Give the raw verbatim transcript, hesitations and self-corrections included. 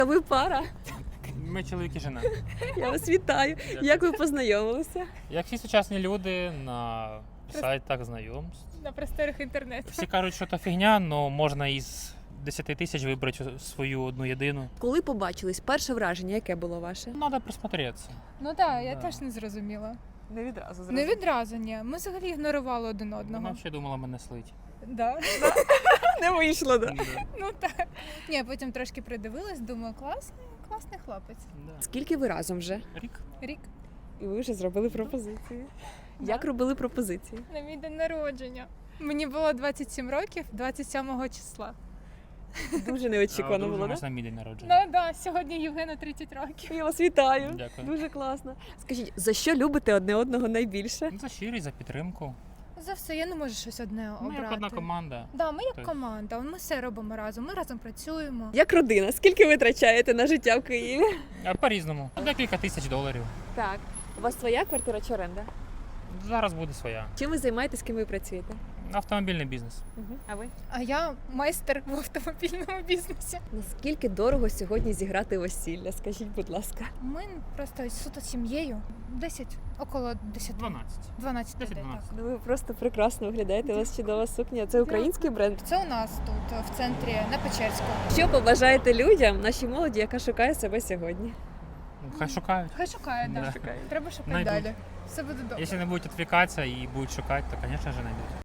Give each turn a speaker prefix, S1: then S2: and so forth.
S1: А ви пара?
S2: Ми чоловік і жена.
S1: Я вас вітаю.
S2: Дякую.
S1: Як ви познайомилися?
S2: Як всі сучасні люди на сайтах знайомств.
S3: На просторах інтернету.
S2: Всі кажуть, що це фігня, але можна із десяти тисяч вибрати свою одну єдину.
S1: Коли побачились, перше враження, яке було ваше?
S2: Треба присмотреться.
S3: Ну так, я
S2: Да.
S3: теж не зрозуміла.
S1: Не відразу.
S3: Не відразу, ні. Ми взагалі ігнорували один
S2: Вона
S3: одного.
S2: взагалі думала мене слить.
S3: Да.
S1: Не вийшло, да?
S2: Да.
S3: Ну так. Ні, потім трошки придивилась, думаю, класний, класний хлопець.
S2: Да.
S1: Скільки ви разом вже?
S2: Рік.
S3: Рік
S1: І ви вже зробили пропозицію. Як робили пропозиції?
S3: на мій день народження. Мені було двадцять сім років, двадцять сьомого числа.
S1: Дуже неочікувано було,
S2: Одружимось
S1: так?
S2: на мій день народження.
S3: Ну да, сьогодні Євгену тридцять років.
S1: Я вас вітаю.
S2: Дякую.
S1: Дуже класно. Скажіть, за що любите одне одного найбільше?
S2: Ну, за щирість, за підтримку.
S3: За все, я не можу щось одне
S2: Ми
S3: обрати.
S2: як одна команда.
S3: Да, ми як
S2: Тобто-
S3: команда, ми все робимо разом, ми разом працюємо.
S1: Як родина? Скільки ви витрачаєте на життя в Києві?
S2: А по-різному. Декілька тисяч доларів.
S1: Так. У вас своя квартира чи оренда?
S2: Зараз буде своя.
S1: Чим ви займаєтесь, ким ви працюєте?
S2: Автомобільний бізнес.
S1: Угу. А ви?
S3: А я майстер в автомобільному бізнесі.
S1: Наскільки дорого сьогодні зіграти весілля? Скажіть, будь ласка.
S3: Ми просто суто сім'єю. десять, около десять.
S2: дванадцять.
S3: дванадцять людей,
S2: десять-дванадцять.
S3: так.
S1: Ну ви просто прекрасно виглядаєте. У вас чудова сукня. Це український бренд.
S3: Це у нас тут, в центрі, на Печерську.
S1: Що побажаєте людям, нашій молоді, яка шукає себе сьогодні?
S2: Ну, Хай шукають.
S3: Хай шукає,
S2: Да.
S3: да. Треба шукати
S2: Найдуть.
S3: далі. Все буде добре.
S2: Якщо не будуть відвлікатися і будуть шукати, то, звісно ж, знайдуть.